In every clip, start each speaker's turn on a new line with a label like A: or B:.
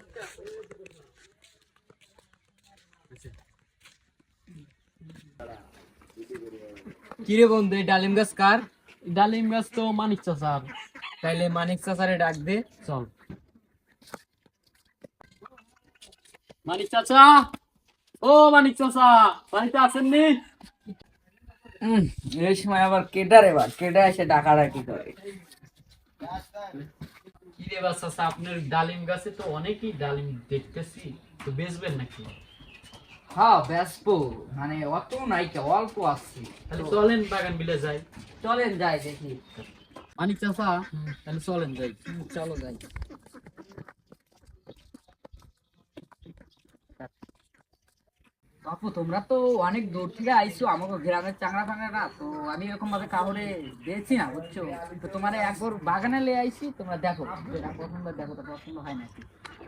A: কিরে বন্ধু, এই ডালিম গাছ কার? ডালিম গাছ তো মানিক চাচার। তাইলে মানিক চাচারে ডাক দে, চল। মানিক চাচা, ও মানিক চাচা, বাড়িতে আছেন নি?
B: এই সময় আবার কেডা রে বা কেডা এসে ডাকাডাকি করে?
A: কিরে বা চাচা, আপনার ডালিম গাছে তো অনেকই ডালিম দেখতেছি, তো বেচবেন নাকি?
B: হ্যাঁ বেসবো, মানে অত নাই, অল্প আসছে।
A: তাহলে চলেন বাগান বিলে যাই।
B: চলেন যাই দেখি।
A: মানিক চাচা, তাহলে চলেন যাই।
B: চলো যাই। বাপু তোমরা তো অনেক দূর থেকে আইছো আমাকে গ্রামের চাংড়া ফাংড়া, তো আমি এরকম ভাবে কাউরে দিয়েছি না, বুঝছো? তো তোমার একবার বাগানে লে আইছি, তোমরা দেখো যেটা পছন্দ, দেখো তো পছন্দ হয় নাকি।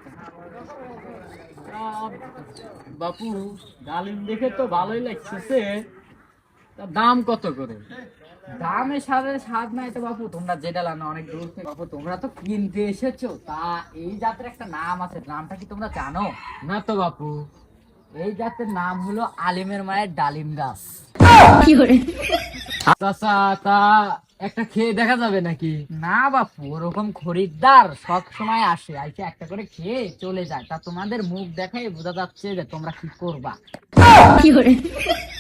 A: বাপু, ডালিম দেখে তো ভালোই লাগতেছে, তা দাম কত করে?
B: দামের সাথে স্বাদ নাই তো বাপু, তোমরা যেটা লানো অনেক দূর থেকে। বাপু তোমরা তো কিনতে এসেছো, তা এই জাতের একটা নাম আছে, নামটা কি তোমরা জানো?
A: না তো বাপু।
B: এই জাতের নাম হলো আলিমের মায়ের ডালিম গাছ।
A: চাচা, তা একটা খেয়ে দেখা যাবে নাকি?
B: না বাপু, ওরকম খরিদ্দার সব সময় আসে, আইসে একটা করে খেয়ে চলে যায়, তা তোমাদের মুখ দেখাই বোঝা যাচ্ছে যে তোমরা কি করবা।